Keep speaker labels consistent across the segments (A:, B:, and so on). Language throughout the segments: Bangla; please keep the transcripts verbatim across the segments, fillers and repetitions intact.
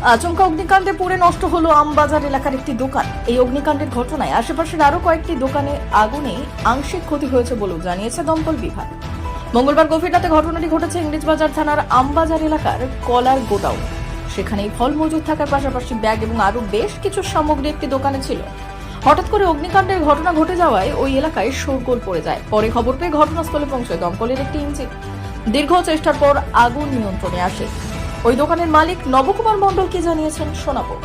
A: আচমকা অগ্নিকাণ্ডে পুড়ে নষ্ট হলো আমবাজার এলাকার একটি দোকান। এই অগ্নিকাণ্ডের ঘটনায় আশেপাশের আরো কয়েকটি দোকানে আগুনে আংশিক ক্ষতি হয়েছে বলেও জানিয়েছে দমকল বিভাগ। মঙ্গলবার গভীর রাতে ঘটনাটি ঘটেছে ইংরেজবাজার থানার আমবাজার এলাকার কলার গোডাউন। সেখানে ফল মজুদ থাকার পাশাপাশি ব্যাগ এবং আরো বেশ কিছু সামগ্রী একটি দোকানে ছিল। হঠাৎ করে অগ্নিকাণ্ডের ঘটনা ঘটে যাওয়ায় ওই এলাকায় শোরগোল পড়ে যায়। পরে খবর পেয়ে ঘটনাস্থলে পৌঁছায় দমকলের একটি ইঞ্জিন। দীর্ঘ চেষ্টার পর আগুন নিয়ন্ত্রণে আসে। ওই দোকানের মালিক নবকুমার মণ্ডল কি জানিয়েছেন শোনাবো।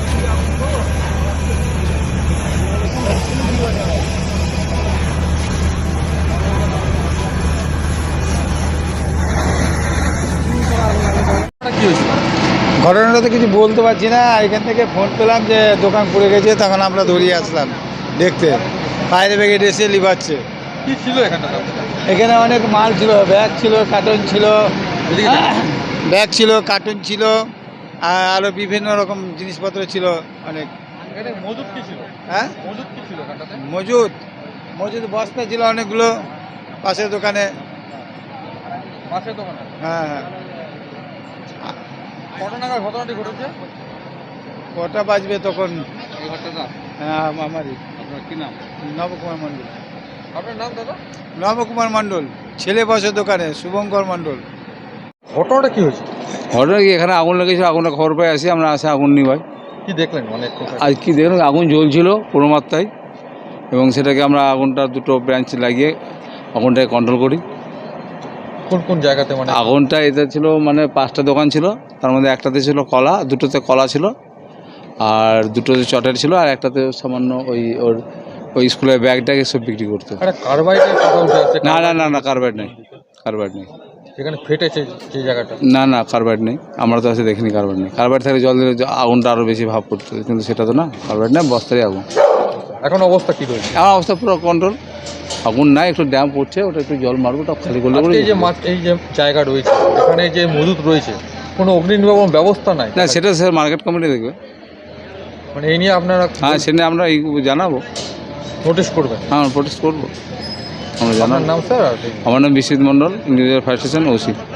B: ঘটনাটা তো কিছু বলতে পারছি না। এখান থেকে ফোন পেলাম যে দোকান পুড়ে গেছে, তখন আমরা দৌড়িয়ে আসলাম দেখতে। ফায়ার ব্রিগেড এসে লিভাচ্ছে।
C: কি ছিল এখানে?
B: এখানে অনেক মাল ছিল, ব্যাগ ছিল, কার্টুন ছিল, ব্যাগ ছিল, কার্টুন ছিল, আর আরও বিভিন্ন রকম জিনিসপত্র ছিল অনেক।
C: এখানে মজুদ কি ছিল?
B: হ্যাঁ,
C: মজুদ কি ছিল এখানটাতে?
B: মজুদ মজুদ বস্তা ছিল অনেকগুলো পাশের দোকানে।
C: পাশের দোকানে?
B: হ্যাঁ হ্যাঁ।
C: কত নাগাদ ঘটনাটি ঘটেছে?
B: কটা বাজবে তখন?
C: এই ঘটনাটা
B: হ্যাঁ, আমারই।
C: আপনার কি নাম?
B: নবকুমার মণ্ডল।
C: আপনার নাম দাদা?
B: নবকুমার মণ্ডল, ছেলে বসে দোকানে, শুভঙ্কর মণ্ডল।
C: ঘটনাটা কি হয়েছে?
D: ঘটনা কি, এখানে আগুন লেগেছিল, আগুনের খবর পাই আসি আমরা, আসে আগুন নিভাই।
C: কি দেখলেন? মানে কোথায়?
D: আজ কি দেখলাম, আগুন জ্বলছিল পুরো মাত্রায়, এবং সেটাকে আমরা আগুনটা দুটো ব্রাঞ্চ লাগিয়ে আগুনটাকে কন্ট্রোল করি।
C: কোন কোন জায়গাতে? মানে
D: আগুনটা এতে ছিল, মানে পাঁচটা দোকান ছিল, তার মধ্যে একটাতে ছিল কলা, দুটোতে কলা ছিল, আর দুটোতে চটের ছিল, আর একটাতে সামান্য ওই ওর ওই স্কুলের ব্যাগটাকে সব বিক্রি করতো।
C: একটা কার্বাইডের কথা উঠে আসছে।
D: না না না না কার্বাইড নেই, কার্বাইড নেই।
C: যেখানে ফেটেছে যে জায়গাটা?
D: না না কার্বাইড নেই, আমরা তো এসে দেখিনি কার্বাইড নেই। কার্বাইড থাকলে জল দিলে আগুনটা আরও বেশি ভাব করতো, কিন্তু সেটা তো না, কার্বাইড নেই, বস্তারই আগুন।
C: এখন অবস্থা কি রয়েছে?
D: আমার অবস্থা পুরো কন্ট্রোল, আগুন নাই, একটু ড্যাম পড়ছে, ওটা একটু জল মারবো, ওটা খালি করলে
C: আজকে এই যে মাছ, এই যে জায়গা রয়েছে এখানে যে মজুদ রয়েছে, কোনো অগ্নি নির্বাপন ব্যবস্থা নাই?
D: না, সেটা স্যার মার্কেট কমিটি দেখবে।
C: মানে এই নিয়ে আপনারা
D: হ্যাঁ, সে নিয়ে আমরা এই জানাবো,
C: নোটিশ করবেন?
D: হ্যাঁ প্রোটেস্ট করবো, আমরা
C: আপনার
D: জানাবো।
C: নাম স্যার?
D: আমার নাম Biswajit Mondal, individual fire station OC.